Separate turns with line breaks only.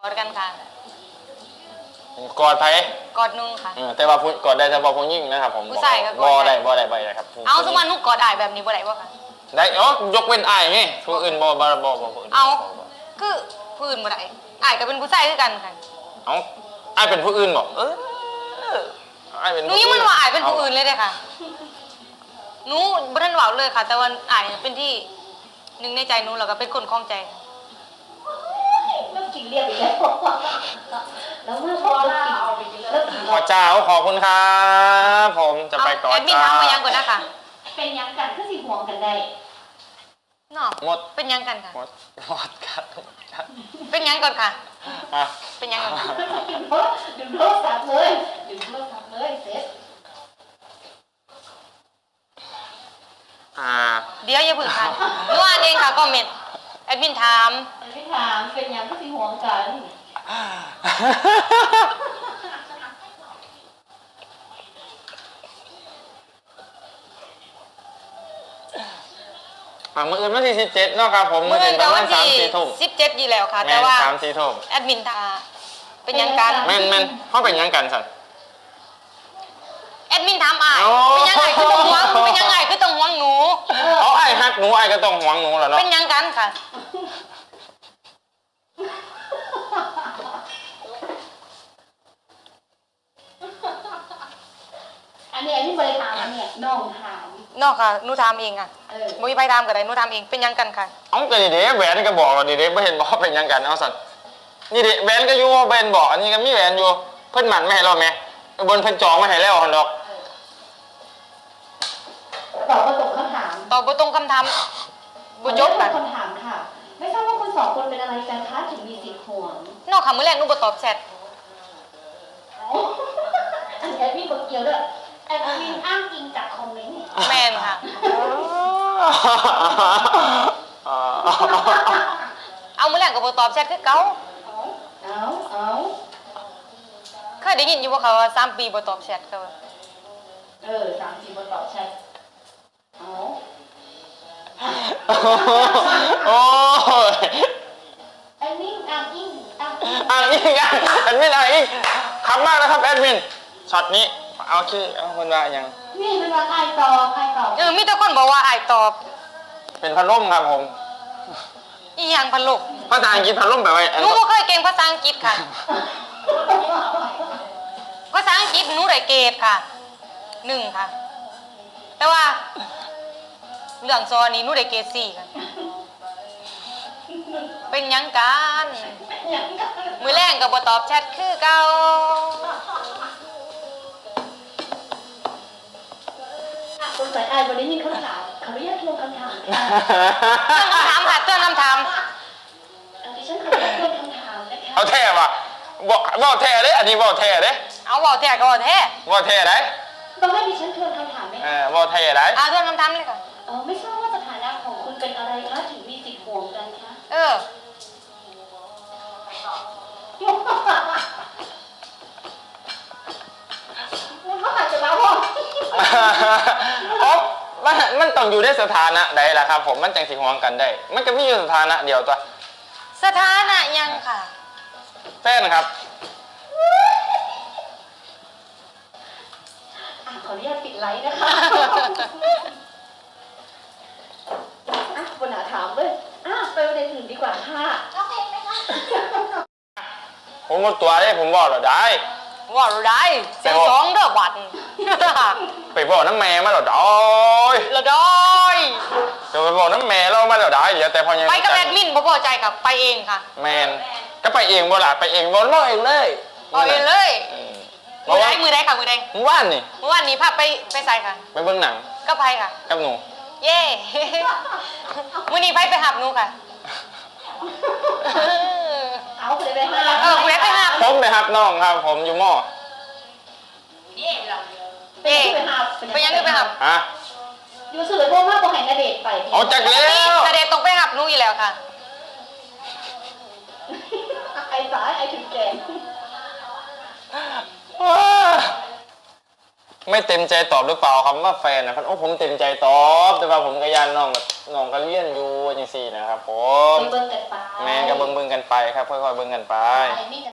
อดกันค่ะ
กอดไผ
กอดนุ่งค่ะ
แต่ว่ากอดได้แต่ผู้หญิงนะครับผม
ผู้ชายก็
บ่ได้ครับ
เอาสมมุตินุกกอดอ้ายแบบนี้บ่ได้บ่ค่ะ
ได้ยกเว้นอ้ายไงผู้อื่นบ่
เอาคือผู้อื่นบ่ได้อ้ายก็เป็นผู้ชายคือกันค่ะ
เอาอ้ายเป็นผู้อื่นบ่อ้ายเป็น
หนูยังมันว่าอ้ายเป็นผู้อื่นเลยเด้ค่ะหนูบ่ทันเว้าเลยค่ะ แต่ว่าอ้ายเป็นที่หนึ่งในใจหนูแล้วก็เป็นคนคล้องใจ
แล้วกินเรียบอีกแล้วแล้วเมื่อพอเรากินแล้วกิน
ขอเจ้าขอบคุณครับผมจะไปก่อน
แอดมินถามมายังก่อนนะคะ
เป็นยังกันก็สิห่วงกันได้
เนาะ
หมด
เป็นยังกันค่ะ
หมดกัน
เป็นยังก่อนค่ะเป็นยังก่อน
ดึงโทรศัพท์เลยดึงโทรศัพท์เลยเสร็จ
เดี๋ยวอย่าพึ่งค่ะหนูอ่านเองค่ะคอมเมนต์แอดมินถาม
เป็นยังก็สิห่วงกัน
มื้ออื่นวันที่17เนาะครับผมมื้ออื่นประมาณ3-4 ทุ่ม
17อยู่แล้วค่ะแต่ว่า
3-4 ทุ่ม
แอดมินถามเป็นยังกัน
แม่นเฮาเป็นยังกันสั่น
แอดมินถามอ้ายเป็นยังไงคือต้องห่วงเป็นยังไงคือต้องห่วงหนู
อ้ายฮักหนูอ้ายก็ต้องห่วงหนูแหละเนาะ
เป็นยังกันค่ะ
อันนี้ไม่ได้ถามอันนี้น้องถาม
นอกค่ะหนูถามเองค่ะบ่มีไปถามก็ได้หนูถามเองเป็นยังกันค่ะ
ก็นี่เด้แหวนก็บอกว่านี่เด้บ่เห็นบอกเป็นยังกันเอาสั่นนี่เด้แหวนก็อยู่ว่าเป็นบอกอันนี้ก็มีแหวนอยู่เพิ่นหมั่นไม่ให้เราแม่บนเพิ่นจองมาให้แล้วหั่นดอก
ตอบบ่ตรงคำถาม
ตอบบ่ตรงคำถามบ่จบค่ะ
คำถามค่ะไม่ทราบว่าคุณสองคนเป็นอะไรกันคะถึงมีสิทธิ์ห่วง
นอกค่ะมื้อแรกหนูบ่ตอบแชท
อันนี้พี่คนเกี่ยวด้วยแอดมินอ้างอิงจากคอมเมนต์
แม่นค่ะเอามื้อแรกก็บ่ตอบแชทคือเก่า
เอา
เคยได้ยินอยู่บ่คะว่า3 ปีบ่ตอบแชทค่ะ
3 ปีบ่ตอบแชท
โอ้ย
แอดมินอ้างอิง
แอดมินอ้างอิงขำมากนะครับแอดมินช็อตนี้เอาคนว่ายัง
นี่เป็นว่าใครตอบ
มีแต่คนบอกว่าอ้ายตอบ
เป็นพัดลมครับผม
อีหยังพัดลม
ภาษาอังกฤษพัดลมแปลว่า
หนูบ่เคยเก่งภาษาอังกฤษค่ะภาษาอังกฤษหนูได้เกรดค่ะ1ค่ะแต่ว่าเรื่องซอนี่หนูได้เกรด4ค่ะเป็นหยังกันมื้อแรงก็บ่ตอบแชทคือเก่า
สงสัยอายวันนี้มีคำถามขออนุญาตทวงคำถาม
ค่ะเตือนคำถาม
ดิฉันขออนุญาตทวงคำถามนะคะ
เอาแท้ป่ะบอกแท้เด้อันนี้บอกแท้เด้
เอาบอกแท้ก็บอกแท้
บอกแท้ได้
ต้องให้ดิฉันทวนคำถามไหม
บอกแท้ได้
ทวนคำถามเลยค่ะ
ไม่ทราบว่าสถานะของคุณเป็นอะไรคะถึงมีสิทธิ์ห่วงกันคะมันอาจจะมาพ่อ
มันต้องอยู่ในสถานะใดล่ะครับผมมันจังสิห่วงกันได้มันก็มีอยู่สถานะเดียวตัว
สถานะยังค่ะ
แฟนครับ
ขออนุญาตปิดไลฟ์นะคะปัญหาถามเลยไปประเด็นอื่นดีกว่าค่ะโอเคไหมคะ
ผมหมดตัวได้ผมบอกเราได้
เสียง2เด้อบัด
ไปบอกน้ำแม่มาเราได้จะไปบอกน้ำแม่เรามาเราได้อย่าแต่พอยัง
ไปกับแอดมินบ่พอใจกับไปเองค่ะ
แมนก็ไปเองบ่ล่ะไปเองบ่ร้อยเลย
มือได้ค่ะมือได้
เมื่อวาน
นี้พาไปใส่ค่ะ
ไปเบิ่งหนัง
ก็ไปค่ะ
กับหนู
เย่มื้อนี้ไปหับหนูค่ะ
คุณไปหับ
คุณไปหับ
ผมไปหับน้องครับผมอยู่มอ
ไปยังไปหับ
อยู่สื่อพวกมากกว่าแห่งนาเดชไป
เอาจากแล้ว
นาเดชตรงไปหับหนูอยู่แล้วค่ะ
ไอ้สายไอ้ถึงแก่
ไม่เต็มใจตอบหรือเปล่าคำว่าแฟนนะครับโอ้ผมเต็มใจตอบแต่ว่าผมก็ยันน้องแบบน้องก็เลี้ยนอยู่จังซี่นะครับผม
เบิ่งกันไป
แม่ก็เบิ่งกันไปครับค่อยๆเบิ่งกันไป
มี